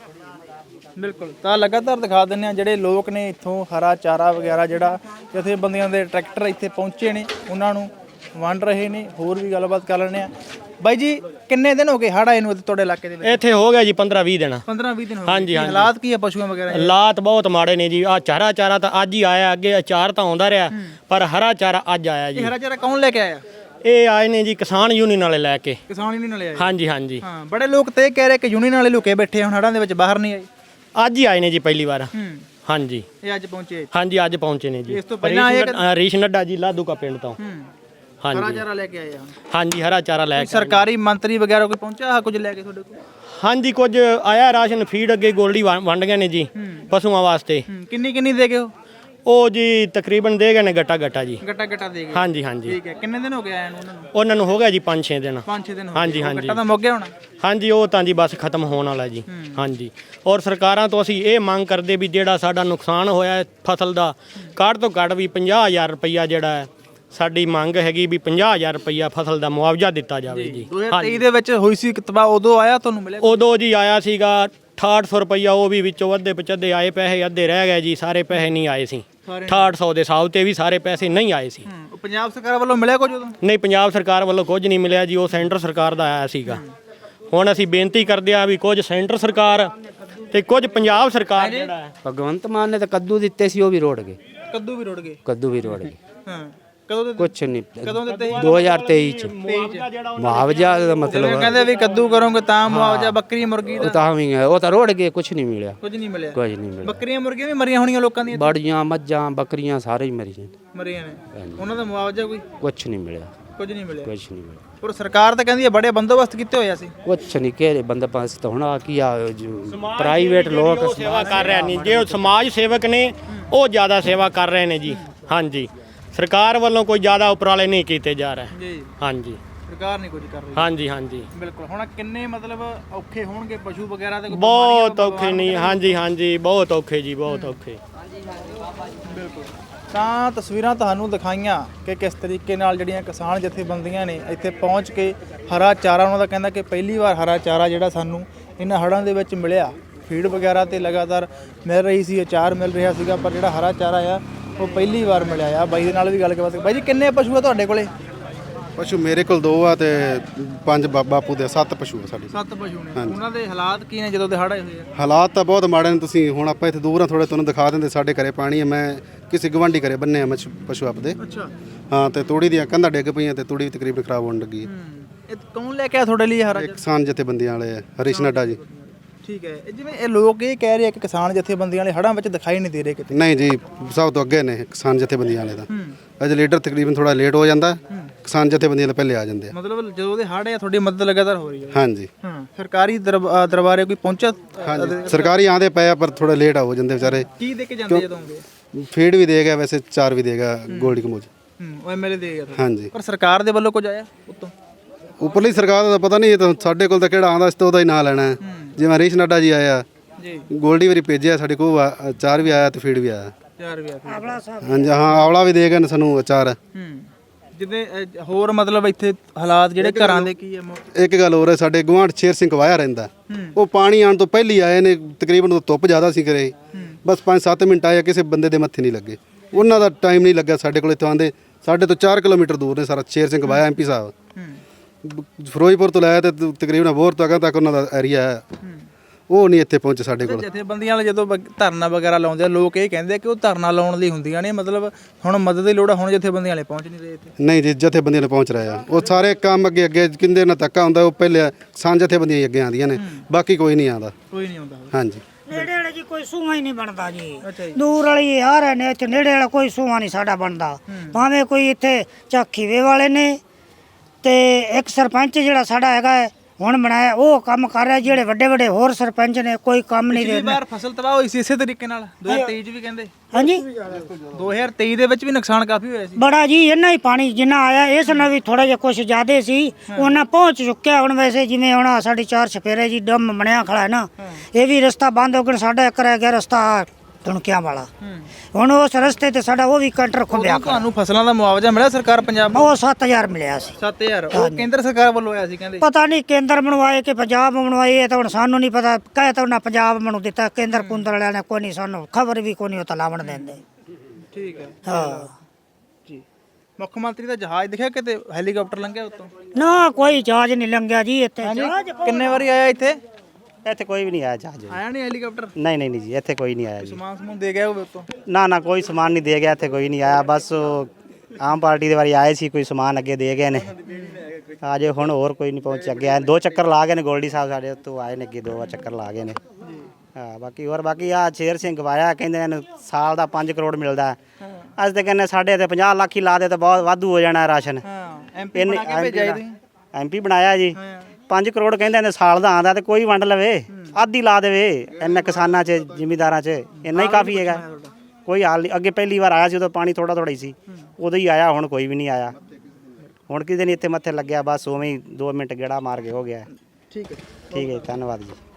Speaker 1: ਬਿਲਕੁਲ। ਤਾਂ ਲਗਾਤਾਰ ਦਿਖਾ ਦਿੰਦੇ ਆ ਜਿਹੜੇ ਲੋਕ ਨੇ ਇੱਥੋਂ ਹਰਾ ਚਾਰਾ ਵਗੈਰਾ ਜਿਹੜਾ ਜਥੇਬੰਦੀਆਂ ਦੇ ਟਰੈਕਟਰ ਇੱਥੇ ਪਹੁੰਚੇ ਨੇ ਉਹਨਾਂ ਨੂੰ ਵੰਡ ਰਹੇ ਨੇ। ਹੋਰ ਵੀ ਗੱਲਬਾਤ ਕਰ ਲੈਣੇ ਆ। ਬਾਈ ਜੀ ਕਿੰਨੇ ਦਿਨ ਹੋ ਗਏ ਹੜ੍ਹ ਆਏ ਨੂੰ ਤੁਹਾਡੇ ਇਲਾਕੇ ਦੇ ਵਿੱਚ?
Speaker 5: ਇੱਥੇ ਹੋ ਗਿਆ ਜੀ 15-20 ਦਿਨ।
Speaker 1: 15-20 ਦਿਨ ਹੋ
Speaker 5: ਹਾਂਜੀ,
Speaker 1: ਗਏ।
Speaker 5: ਹਾਂਜੀ।
Speaker 1: ਹਾਲਾਤ ਕੀ ਆ ਪਸ਼ੂਆਂ ਵਗੈਰਾ?
Speaker 5: ਹਾਲਾਤ ਬਹੁਤ ਮਾੜੇ ਨੇ ਜੀ। ਆ ਚਾਰਾ ਤਾਂ ਅੱਜ ਹੀ ਆਇਆ, ਅੱਗੇ ਅਚਾਰ ਤਾਂ ਆਉਂਦਾ ਰਿਹਾ, ਪਰ ਹਰਾ ਚਾਰਾ ਅੱਜ ਆਇਆ ਜੀ।
Speaker 1: ਇਹ ਹਰਾ ਚਾਰਾ ਕੌਣ ਲੈ ਕੇ ਆਇਆ?
Speaker 5: ਇਹ ਆਏ ਨੇ ਜੀ ਕਿਸਾਨ ਯੂਨੀਅਨ ਵਾਲੇ ਲੈ ਕੇ।
Speaker 1: ਕਿਸਾਨ ਯੂਨੀਅਨ ਵਾਲੇ ਆਏ?
Speaker 5: ਹਾਂਜੀ ਹਾਂਜੀ।
Speaker 1: ਹਾਂ, ਬੜੇ ਲੋਕ ਤੇ ਇਹ ਕਹਿ ਰਹੇ ਕਿ ਯੂਨੀਅਨ ਵਾਲੇ ਲੁਕੇ ਬੈਠੇ ਹੁਣ ਹੜ੍ਹਾਂ ਦੇ ਵਿੱਚ, ਬਾਹਰ ਨਹੀਂ ਆਏ।
Speaker 5: ਅੱਜ ਹੀ ਆਏ ਨੇ ਜੀ ਪਹਿਲੀ ਵਾਰ। ਹਾਂਜੀ
Speaker 1: ਇਹ ਅੱਜ ਪਹੁੰਚੇ?
Speaker 5: ਹਾਂਜੀ ਅੱਜ ਪਹੁੰਚੇ ਨੇ ਜੀ।
Speaker 1: ਇਸ ਤੋਂ ਪਹਿਲਾਂ ਆਏ?
Speaker 5: ਹਰੀਸ਼ ਨੱਡਾ ਜੀ ਲਾਧੂਕਾ ਪਿੰਡ ਤੋਂ।
Speaker 1: ਹਰਾ
Speaker 5: ਹਾਂਜੀ
Speaker 1: ਚਾਰਾ ਲੈ ਕੇ ਆਏ ਆ?
Speaker 5: ਹਾਂਜੀ ਹਰਾ ਚਾਰਾ ਲੈ ਕੇ।
Speaker 1: ਸਰਕਾਰੀ ਮੰਤਰੀ ਵਗੈਰਾ ਕੋਈ ਪਹੁੰਚਿਆ ਕੁਝ ਲੈ ਕੇ ਤੁਹਾਡੇ ਕੋਲ?
Speaker 5: ਹਾਂਜੀ ਕੁਝ ਆਇਆ ਰਾਸ਼ਨ, ਫੀਡ ਅੱਗੇ ਗੋਲਡੀ ਵੰਡ ਗਏ ਨੇ ਜੀ ਪਸ਼ੂਆਂ ਵਾਸਤੇ।
Speaker 1: ਕਿੰਨੀ ਦੇ ਗਏ
Speaker 5: ਉਹ ਜੀ ਤਕਰੀਬਨ ਦੇ ਗਏ ਨੇ ਗੱਟਾ ਜੀ।
Speaker 1: ਗੱਟਾ ਦੇ ਗਏ?
Speaker 5: ਹਾਂਜੀ ਹਾਂਜੀ।
Speaker 1: ਠੀਕ ਹੈ। ਕਿੰਨੇ ਦਿਨ ਹੋ ਗਏ ਆਏ ਨੂੰ ਉਹਨਾਂ ਨੂੰ?
Speaker 5: ਉਹਨਾਂ ਨੂੰ ਹੋ ਗਿਆ ਜੀ 5-6 ਦਿਨ।
Speaker 1: 5-6 ਦਿਨ ਹੋ ਗਏ।
Speaker 5: ਹਾਂਜੀ ਹਾਂਜੀ।
Speaker 1: ਗੱਟਾ ਤਾਂ ਮੁੱਕ ਗਿਆ ਹੋਣਾ?
Speaker 5: ਹਾਂਜੀ ਉਹ ਤਾਂ ਜੀ ਬਸ ਖਤਮ ਹੋਣ ਵਾਲਾ ਜੀ। ਹਾਂਜੀ। ਔਰ ਸਰਕਾਰਾਂ ਤੋਂ ਅਸੀਂ ਇਹ ਮੰਗ ਕਰਦੇ ਵੀ ਜਿਹੜਾ ਸਾਡਾ ਨੁਕਸਾਨ ਹੋਇਆ ਫਸਲ ਦਾ, ਘੱਟ ਤੋਂ ਘੱਟ ਵੀ 50,000 ਰੁਪਈਆ ਜਿਹੜਾ ਹੈ ਸਾਡੀ ਮੰਗ ਹੈਗੀ ਵੀ 50,000 ਰੁਪਈਆ ਫਸਲ ਦਾ ਮੁਆਵਜ਼ਾ ਦਿੱਤਾ ਜਾਵੇ ਜੀ।
Speaker 1: 2023 ਦੇ ਵਿੱਚ ਹੋਈ ਸੀ ਤਬਾਹ, ਉਦੋਂ ਆਇਆ ਤੁਹਾਨੂੰ ਮਿਲਿਆ?
Speaker 5: ਉਦੋਂ ਜੀ ਆਇਆ ਸੀਗਾ 6800 ਰੁਪਈਆ। ਉਹ ਵੀ ਵਿੱਚੋਂ ਅੱਧੇ ਪਚੱਧੇ ਆਏ ਪੈਸੇ, ਅੱਧੇ ਰਹਿ ਗਏ ਜੀ। ਸਾਰੇ ਪੈਸੇ ਨਹੀਂ ਆਏ ਸੀ। 6800 ਦੇ ਹਿਸਾਬ ਤੇ ਵੀ ਸਾਰੇ ਪੈਸੇ ਨਹੀਂ ਆਏ ਸੀ।
Speaker 1: ਪੰਜਾਬ ਸਰਕਾਰ ਵੱਲੋਂ ਮਿਲਿਆ ਕੁਝ ਉਦੋਂ?
Speaker 5: ਨਹੀਂ, ਪੰਜਾਬ ਸਰਕਾਰ ਵੱਲੋਂ ਕੁਝ ਨਹੀਂ ਮਿਲਿਆ ਜੀ। ਉਹ ਸੈਂਟਰ ਸਰਕਾਰ ਦਾ ਆਇਆ ਸੀਗਾ। ਹੁਣ ਅਸੀਂ ਬੇਨਤੀ ਕਰਦੇ ਆ ਵੀ ਕੁਝ ਸੈਂਟਰ ਸਰਕਾਰ ਤੇ ਕੁਝ ਪੰਜਾਬ ਸਰਕਾਰ ਜਿਹੜਾ ਹੈ।
Speaker 9: ਭਗਵੰਤ ਮਾਨ ਨੇ ਤਾਂ ਕੱਦੂ ਦਿੱਤੇ ਸੀ, ਉਹ ਵੀ ਰੋੜ ਗਏ।
Speaker 1: ਕੱਦੂ ਵੀ ਰੁੜ ਗਏ?
Speaker 9: ਕੱਦੂ ਵੀ ਰੋੜ ਗਏ।
Speaker 1: ਹਾਂ। ਕਦੋਂ ਦਿੱਤੇ?
Speaker 9: ਕੁਛ ਨਹੀਂ।
Speaker 1: ਕਦੋਂ ਦਿੱਤੇ?
Speaker 9: 2023 ਚ। ਮੁਆਵਜ਼ਾ ਦਾ ਮਤਲਬ
Speaker 1: ਕਹਿੰਦੇ ਵੀ ਕੱਦੂ ਕਰੋਗੇ ਤਾਂ ਮੁਆਵਜ਼ਾ, ਬੱਕਰੀ ਮੁਰਗੀ ਦਾ?
Speaker 9: ਉਹ ਤਾਂ ਵੀ ਉਹ ਤਾਂ ਰੋੜ ਗਏ, ਕੁਛ ਨਹੀਂ ਮਿਲਿਆ।
Speaker 1: ਕੁਝ ਨਹੀਂ ਮਿਲਿਆ?
Speaker 9: ਕੁਝ ਨਹੀਂ ਮਿਲਿਆ।
Speaker 1: ਬੱਕਰੀਆਂ ਮੁਰਗੀਆਂ ਵੀ ਮਰੀਆਂ ਹੋਣੀਆਂ ਲੋਕਾਂ ਦੀਆਂ?
Speaker 9: ਬੜੀਆਂ ਮੱਝਾਂ ਬੱਕਰੀਆਂ ਸਾਰੇ ਹੀ ਮਰੀਆਂ
Speaker 1: ਮਰੀਆਂ ਨੇ। ਉਹਨਾਂ ਦਾ ਮੁਆਵਜ਼ਾ ਕੋਈ?
Speaker 9: ਕੁਛ ਨਹੀਂ ਮਿਲਿਆ।
Speaker 1: ਕੁਝ ਨਹੀਂ ਮਿਲਿਆ।
Speaker 9: ਕੁਛ ਨਹੀਂ ਮਿਲਿਆ,
Speaker 1: ਪਰ ਸਰਕਾਰ ਤਾਂ ਕਹਿੰਦੀ ਹੈ ਬੜੇ ਬੰਦੋਬਸਤ ਕੀਤੇ ਹੋਏ ਅਸੀਂ।
Speaker 9: ਕੁਛ ਨਹੀਂ ਕਿਹੜੇ ਬੰਦੇ ਪਾਸ ਤਾਂ ਹੁਣ ਆ ਕੀ ਆ ਪ੍ਰਾਈਵੇਟ ਲੋਕ
Speaker 5: ਸੇਵਾ ਕਰ ਰਹੇ ਨੇ, ਜੇ ਉਹ ਸਮਾਜ ਸੇਵਕ ਨੇ ਉਹ ਜ਼ਿਆਦਾ ਸੇਵਾ ਕਰ ਰਹੇ ਨੇ ਜੀ। ਹਾਂਜੀ, ਸਰਕਾਰ ਵੱਲੋਂ ਕੋਈ ਜ਼ਿਆਦਾ ਉਪਰਾਲੇ ਨਹੀਂ ਕੀਤੇ ਜਾ ਰਹੇ।
Speaker 1: ਜੀ,
Speaker 5: ਹਾਂਜੀ,
Speaker 1: ਸਰਕਾਰ ਨਹੀਂ ਕੁਝ ਕਰ ਰਹੀ।
Speaker 5: ਹਾਂਜੀ, ਹਾਂਜੀ,
Speaker 1: ਬਿਲਕੁਲ। ਹੁਣ ਕਿੰਨੇ ਮਤਲਬ ਔਖੇ ਹੋਣਗੇ ਪਸ਼ੂ ਵਗੈਰਾ ਤੇ?
Speaker 5: ਬਹੁਤ ਔਖੇ ਨਹੀਂ। ਹਾਂਜੀ, ਹਾਂਜੀ, ਬਹੁਤ ਔਖੇ ਜੀ, ਬਹੁਤ ਔਖੇ।
Speaker 1: ਬਿਲਕੁਲ। ਤਾਂ ਤਸਵੀਰਾਂ ਤੁਹਾਨੂੰ ਦਿਖਾਈਆਂ ਕਿ ਕਿਸ ਤਰੀਕੇ ਨਾਲ ਜਿਹੜੀਆਂ ਕਿਸਾਨ ਜਥੇਬੰਦੀਆਂ ਨੇ ਇੱਥੇ ਪਹੁੰਚ ਕੇ ਹਰਾ ਚਾਰਾ, ਉਹਨਾਂ ਦਾ ਕਹਿੰਦਾ ਕਿ ਪਹਿਲੀ ਵਾਰ ਹਰਾ ਚਾਰਾ ਜਿਹੜਾ ਸਾਨੂੰ ਇਹਨਾਂ ਹੜ੍ਹਾਂ ਦੇ ਵਿੱਚ ਮਿਲਿਆ। ਫੀਡ ਵਗੈਰਾ ਤੇ ਲਗਾਤਾਰ ਮਿਲ ਰਹੀ ਸੀ, ਅਚਾਰ ਮਿਲ ਰਿਹਾ ਸੀਗਾ, ਪਰ ਜਿਹੜਾ ਹਰਾ ਚਾਰਾ ਆ ਉਹ ਪਹਿਲੀ ਵਾਰ ਮਿਲਿਆ ਆ। ਬਾਈ ਦੇ ਨਾਲ ਵੀ ਗੱਲ ਕਰ। ਬਾਈ ਜੀ, ਕਿੰਨੇ ਪਸ਼ੂ ਆ ਤੁਹਾਡੇ ਕੋਲੇ?
Speaker 4: ਪਸ਼ੂ ਮੇਰੇ ਕੋਲ 2 ਆ ਤੇ 5 ਬਾਪੂ ਦੇ 7 ਪਸ਼ੂ ਆ ਸਾਡੇ।
Speaker 1: 7 ਪਸ਼ੂ ਨੇ। ਉਹਨਾਂ ਦੇ ਹਾਲਾਤ ਕੀ ਨੇ ਜਦੋਂ ਦੇ ਹੜ੍ਹ ਆਏ ਹੋਏ ਆ?
Speaker 4: ਹਾਲਾਤ ਤਾਂ ਬਹੁਤ ਮਾੜੇ ਨੇ। ਤੁਸੀਂ ਹੁਣ ਆਪਾਂ ਇੱਥੇ ਦੂਰ ਆ ਥੋੜੇ, ਤੁਹਾਨੂੰ ਦਿਖਾ ਦਿੰਦੇ ਸਾਡੇ ਘਰੇ ਪਾਣੀ ਹੈ। ਮੈਂ ਕਿਸੇ ਗਵਾਂਢੀ ਘਰੇ ਬੰਨੇ ਆ ਪਸ਼ੂ ਆਪਦੇ।
Speaker 1: ਅੱਛਾ।
Speaker 4: ਹਾਂ, ਤੇ ਤੂੜੀ ਦੀਆਂ ਕੰਧਾਂ ਡਿੱਗ ਪਈਆਂ ਤੇ ਤੂੜੀ ਵੀ ਤਕਰੀਬਨ ਖਰਾਬ ਹੋਣ ਲੱਗੀ ਹੈ।
Speaker 1: ਇਹ ਕੌਣ ਲੈ ਕੇ ਆ ਤੁਹਾਡੇ ਲਈ ਹਰਾ
Speaker 4: ਇਹ ਕਿਸਾਨ ਜਥੇਬੰਦੀਆਂ ਵਾਲੇ ਆ, ਹਰੀਸ਼ ਨੱਡਾ ਜੀ।
Speaker 1: ਠੀਕ ਹੈ। ਜਿਵੇਂ ਇਹ ਲੋਕ ਇਹ ਕਹਿ ਰਹੇ ਆ ਕਿ ਕਿਸਾਨ ਜਥੇਬੰਦੀਆਂ ਵਾਲੇ ਹੜ੍ਹਾਂ ਵਿੱਚ ਦਿਖਾਈ ਨਹੀਂ ਦੇ ਰਹੇ ਕਿਤੇ।
Speaker 4: ਨਹੀਂ ਜੀ, ਸਭ ਤੋਂ ਅੱਗੇ ਨੇ ਕਿਸਾਨ ਜਥੇਬੰਦੀਆਂ ਵਾਲੇ ਤਾਂ। ਅਜੇ ਲੀਡਰ ਤਕਰੀਬਨ ਥੋੜਾ ਲੇਟ ਹੋ ਜਾਂਦਾ, ਕਿਸਾਨ ਜਥੇਬੰਦੀਆਂ ਵਾਲੇ ਪਹਿਲੇ ਆ ਜਾਂਦੇ ਆ।
Speaker 1: ਮਤਲਬ ਜਦੋਂ ਦੇ ਹੜ੍ਹ ਆ ਤੁਹਾਡੀ ਮਦਦ ਲਗਾਤਾਰ ਹੋ ਰਹੀ ਹੈ।
Speaker 4: ਹਾਂਜੀ।
Speaker 1: ਸਰਕਾਰੀ ਦਰਬਾਰੇ ਕੋਈ ਪਹੁੰਚਾ?
Speaker 4: ਹਾਂਜੀ, ਸਰਕਾਰੀ ਆਂਦੇ ਪਏ ਆ ਪਰ ਥੋੜਾ ਲੇਟ ਹੋ ਜਾਂਦੇ ਵਿਚਾਰੇ।
Speaker 1: ਕੀ ਦੇ ਕੇ ਜਾਂਦੇ ਜਦੋਂ ਆਉਂਦੇ?
Speaker 4: ਫੀਡ ਵੀ ਦੇਗਾ, ਵੈਸੇ ਚਾਰ ਵੀ ਦੇਗਾ ਗੋਲਡੀ ਕਮੋਜ।
Speaker 1: ਉਹ ਐਮਐਲਏ ਦੇ ਗਿਆ।
Speaker 4: ਹਾਂਜੀ।
Speaker 1: ਪਰ ਸਰਕਾਰ ਦੇ ਵੱਲੋਂ ਕੁਝ ਆਇਆ ਉੱਤੋਂ?
Speaker 4: ਉੱਪਰਲੀ ਸਰਕਾਰ ਦਾ ਪਤਾ ਨਹੀਂ, ਇਹ ਤਾਂ ਸਾਡੇ ਕੋਲ ਤਾਂ ਕਿਹੜਾ ਆਂਦਾ ਇਸ ਤੋਂ ਉਹਦਾ ਹੀ ਨਾਂ ਲੈਣਾ ਹੈ। ਜਿਵੇਂ ਹਰੀਸ਼ ਨੱਡਾ ਜੀ ਆਇਆ
Speaker 1: ਜੀ,
Speaker 4: ਗੋਲਡੀ ਵਾਰੀ ਭੇਜਿਆ, ਸਾਡੇ ਕੋਲ ਅਚਾਰ ਵੀ ਆਇਆ ਤੇ ਫੀਡ ਵੀ ਆਇਆ।
Speaker 1: 4 ਵੀ ਆ।
Speaker 4: ਹਾਂਜੀ, ਹਾਂ, ਆਵਲਾ ਵੀ ਦੇ ਗਏ ਸਾਨੂੰ ਅਚਾਰ।
Speaker 1: ਜਿੱਦੇ ਹੋਰ ਮਤਲਬ ਇੱਥੇ ਹਾਲਾਤ ਜਿਹੜੇ ਘਰਾਂ ਦੇ ਕੀ ਹੈ?
Speaker 4: ਇੱਕ ਗੱਲ ਹੋਰ ਹੈ, ਸਾਡੇ ਗੁਆਂਢ ਸ਼ੇਰ ਸਿੰਘ ਵਾਇਆ ਰਹਿੰਦਾ, ਉਹ ਪਾਣੀ ਆਉਣ ਤੋਂ ਪਹਿਲੀ ਆਏ ਨੇ। ਤਕਰੀਬਨ ਉਦੋਂ ਧੁੱਪ ਜ਼ਿਆਦਾ ਸੀ ਕਰੇ, ਬਸ 5-7 ਮਿੰਟ ਆਏ, ਕਿਸੇ ਬੰਦੇ ਦੇ ਮੱਥੇ ਨਹੀਂ ਲੱਗੇ। ਉਹਨਾਂ ਦਾ ਟਾਈਮ ਨਹੀਂ ਲੱਗਾ ਸਾਡੇ ਕੋਲ। ਇੱਥੋਂ ਆਉਂਦੇ ਸਾਡੇ ਤੋਂ 4 ਕਿਲੋਮੀਟਰ ਦੂਰ ਨੇ ਸਾਰਾ ਸ਼ੇਰ ਸਿੰਘ ਵਾਇਆ MP ਸਾਹਿਬ। ਫਿਰੋਜ਼ਪੁਰ ਤੋਂ ਲਾਇਆ ਤੇ ਤਕਰੀਬਨ ਬੋਰ ਤੱਕ ਉਹਨਾਂ ਦਾ ਏਰੀਆ ਹੈ, ਉਹ ਨਹੀਂ ਇੱਥੇ ਪਹੁੰਚੇ ਸਾਡੇ ਕੋਲ।
Speaker 1: ਜਥੇਬੰਦੀਆਂ ਵਾਲੇ ਜਦੋਂ ਧਰਨਾ ਵਗੈਰਾ ਲਾਉਂਦੇ ਆ, ਲੋਕ ਇਹ ਕਹਿੰਦੇ ਕਿ ਉਹ ਧਰਨਾ ਲਾਉਣ ਲਈ ਹੁੰਦੀਆਂ ਨੇ, ਮਤਲਬ ਹੁਣ ਮਦਦ ਦੀ ਲੋੜ ਆ। ਹੁਣ ਜਥੇਬੰਦੀਆਂ ਵਾਲੇ ਪਹੁੰਚ ਨਹੀਂ ਰਹੇ ਇੱਥੇ।
Speaker 4: ਨਹੀਂ ਜੀ, ਜਥੇਬੰਦੀਆਂ ਨੇ ਪਹੁੰਚ ਰਹੇ ਆ। ਉਹ ਸਾਰੇ ਕੰਮ ਅੱਗੇ ਕਿੰਦੇ ਨਾਲ ਧੱਕਾ ਹੁੰਦਾ, ਉਹ ਪਹਿਲੇ ਕਿਸਾਨ ਜਥੇਬੰਦੀਆਂ ਹੀ ਅੱਗੇ ਆਉਂਦੀਆਂ ਨੇ, ਬਾਕੀ ਕੋਈ ਨਹੀਂ ਆਉਂਦਾ।
Speaker 1: ਕੋਈ ਨਹੀਂ ਆਉਂਦਾ।
Speaker 4: ਹਾਂਜੀ।
Speaker 10: ਨੇੜੇ ਵਾਲੇ ਜੀ ਕੋਈ ਸੂਹਾ ਹੀ ਨਹੀਂ ਬਣਦਾ ਜੀ। ਦੂਰ ਵਾਲੀ ਆ ਰਹੇ ਨੇ, ਇੱਥੇ ਨੇੜੇ ਵਾਲਾ ਕੋਈ ਸੂਹਾ ਨਹੀਂ ਸਾਡਾ ਬਣਦਾ। ਭਾਵੇਂ ਕੋਈ ਇੱਥੇ ਝਾਖੀਵੇ ਵਾਲੇ ਨੇ ਤੇ ਇੱਕ ਸਰਪੰਚ ਜਿਹੜਾ ਸਾਡਾ ਹੈਗਾ ਹੁਣ ਬਣਾਇਆ, ਉਹ ਕੰਮ ਕਰ ਰਿਹਾ। ਜਿਹੜੇ ਵੱਡੇ ਵੱਡੇ ਹੋਰ ਸਰਪੰਚ ਨੇ ਕੋਈ ਕੰਮ ਨਹੀਂ
Speaker 1: ਪਿਛਲੀ ਵਾਰ ਫਸਲ ਤਬਾਹ ਹੋਈ ਸੀ ਇਸੇ ਤਰੀਕੇ ਨਾਲ। 2023 ਚ ਵੀ ਕਹਿੰਦੇ।
Speaker 10: ਹਾਂਜੀ,
Speaker 1: 2023 ਦੇ ਵਿੱਚ ਵੀ ਨੁਕਸਾਨ ਕਾਫੀ ਹੋਇਆ ਸੀ।
Speaker 10: ਬੜਾ ਜੀ, ਇੰਨਾ ਹੀ ਪਾਣੀ ਜਿੰਨਾ ਆਇਆ, ਇਸ ਨਾਲ ਵੀ ਥੋੜਾ ਜਿਹਾ ਕੁਝ ਜ਼ਿਆਦੇ ਸੀ, ਉਹਨਾਂ ਪਹੁੰਚ ਚੁੱਕਿਆ। ਹੁਣ ਵੈਸੇ ਜਿਵੇਂ ਹੁਣ ਸਾਡੀ 4 ਛਪੇਰੇ ਜੀ ਡੰਮ ਬਣਿਆ ਖੜਾ ਹੈ ਨਾ, ਇਹ ਵੀ ਰਸਤਾ ਬੰਦ ਹੋ ਗਿਆ। ਸਾਡਾ ਇੱਕ ਰਹਿ ਗਿਆ ਰਸਤਾ ਧੁਣਕਿਆਂ ਵਾਲਾ। ਹੁਣ ਉਸ ਰਸਤੇ ਤੇ ਸਾਡਾ ਉਹ ਵੀ ਕੰਟਰ ਖੁੱਲਿਆ।
Speaker 1: ਤੁਹਾਨੂੰ ਫਸਲਾਂ ਦਾ ਮੁਆਵਜ਼ਾ ਮਿਲਿਆ ਸਰਕਾਰ ਪੰਜਾਬ?
Speaker 10: ਉਹ 7000 ਮਿਲਿਆ ਸੀ।
Speaker 1: 7000 ਉਹ ਕੇਂਦਰ ਸਰਕਾਰ ਵੱਲੋਂ ਆਇਆ ਸੀ ਕਹਿੰਦੇ।
Speaker 10: ਪਤਾ ਨਹੀਂ ਕੇਂਦਰ ਬਣਵਾਏ ਕਿ ਪੰਜਾਬ ਬਣਵਾਏ, ਇਹ ਤਾਂ ਹੁਣ ਸਾਨੂੰ ਨਹੀਂ ਪਤਾ। ਕਹੇ ਤਾਂ ਉਹਨਾਂ ਪੰਜਾਬ ਬਣੂ ਦਿੱਤਾ, ਕੇਂਦਰ ਕੁੰਦਰ ਵਾਲਿਆਂ ਨੇ ਕੋਈ ਨਹੀਂ, ਸਾਨੂੰ ਖਬਰ ਵੀ ਕੋਈ ਨਹੀਂ, ਉਹ ਤਾਂ ਲਾਵਣ ਦਿੰਦੇ।
Speaker 1: ਠੀਕ ਹੈ।
Speaker 10: ਹਾਂ
Speaker 1: ਜੀ। ਮੁੱਖ ਮੰਤਰੀ ਦਾ ਜਹਾਜ਼ ਦਿਖਿਆ ਕਿਤੇ? ਹੈਲੀਕਾਪਟਰ ਲੰਘਿਆ ਉੱਤੋਂ?
Speaker 10: ਨਾ, ਕੋਈ ਜਹਾਜ਼ ਨਹੀਂ ਲੰਘਿਆ ਜੀ ਇੱਥੇ।
Speaker 1: ਕਿੰਨੇ ਵਾਰੀ ਆਇਆ ਇੱਥੇ?
Speaker 8: ਇੱਥੇ ਕੋਈ ਵੀ ਨਹੀਂ ਆਇਆ ਜਹਾਜ਼।
Speaker 1: ਆਇਆ ਨਹੀਂ ਹੈਲੀਕਾਪਟਰ?
Speaker 8: ਨਹੀਂ ਨਹੀਂ ਜੀ, ਇੱਥੇ ਕੋਈ ਨਹੀਂ ਆਇਆ ਜੀ।
Speaker 1: ਸਮਾਨ ਸਮੂਨ ਦੇ ਗਿਆ ਹੋਵੇ ਉੱਤੋਂ?
Speaker 8: ਨਾ, ਕੋਈ ਸਮਾਨ ਨਹੀਂ ਦੇ ਗਿਆ, ਇੱਥੇ ਕੋਈ ਨਹੀਂ ਆਇਆ। ਬਸ ਆਮ ਪਾਰਟੀ ਦੇ ਵਾਰੀ ਆਏ ਸੀ, ਕੋਈ ਸਮਾਨ ਅੱਗੇ ਦੇ ਗਏ ਨੇ। ਅਜੇ ਹੁਣ ਹੋਰ ਕੋਈ ਨਹੀਂ ਪਹੁੰਚ ਅੱਗੇ ਆਏ। 2 ਚੱਕਰ ਲਾ ਗਏ ਨੇ ਗੋਲਡੀ ਸਾਹਿਬ ਸਾਡੇ ਉੱਤੋਂ ਆਏ ਨੇ, ਅੱਗੇ 2 ਚੱਕਰ ਲਾ ਗਏ ਨੇ। ਹਾਂ, ਬਾਕੀ ਆ ਸ਼ੇਰ ਸਿੰਘ ਵਾਇਆ ਕਹਿੰਦੇ ਨੇ ਸਾਲ ਦਾ 5 ਕਰੋੜ ਮਿਲਦਾ। ਅੱਜ ਤੇ ਕਹਿੰਦੇ ਸਾਡੇ ਤੇ 50 ਲੱਖ ਹੀ ਲਾ ਦੇ ਤਾਂ ਬਹੁਤ ਵਾਧੂ ਹੋ ਜਾਣਾ ਰਾਸ਼ਨ। MP ਬਣਾਇਆ ਜੀ। 5 ਕਰੋੜ ਕਹਿੰਦੇ ਨੇ ਸਾਲ ਦਾ ਆਂਦਾ, ਤੇ ਕੋਈ ਵੰਡ ਲਵੇ, ਆਧੀ ਲਾ ਦੇਵੇ ਇੰਨਾ ਕਿਸਾਨਾਂ 'ਚ ਜ਼ਿਮੀਂਦਾਰਾਂ 'ਚ, ਇੰਨਾ ਹੀ ਕਾਫੀ ਹੈਗਾ। ਕੋਈ ਹਾਲ ਨਹੀਂ। ਅੱਗੇ ਪਹਿਲੀ ਵਾਰ ਆਇਆ ਸੀ ਉਦੋਂ ਪਾਣੀ ਥੋੜਾ ਥੋੜਾ ਹੀ ਸੀ, ਉਦੋਂ ਹੀ ਆਇਆ। ਹੁਣ ਕੋਈ ਵੀ ਨਹੀਂ ਆਇਆ। ਹੁਣ ਕਿਤੇ ਨਹੀਂ ਇੱਥੇ ਮੱਥੇ ਲੱਗਿਆ, ਬਸ ਉਵੇਂ ਹੀ 2 ਮਿੰਟ ਗੇੜਾ ਮਾਰ ਕੇ ਹੋ ਗਿਆ।
Speaker 1: ਠੀਕ ਹੈ।
Speaker 8: ਠੀਕ ਹੈ, ਧੰਨਵਾਦ ਜੀ।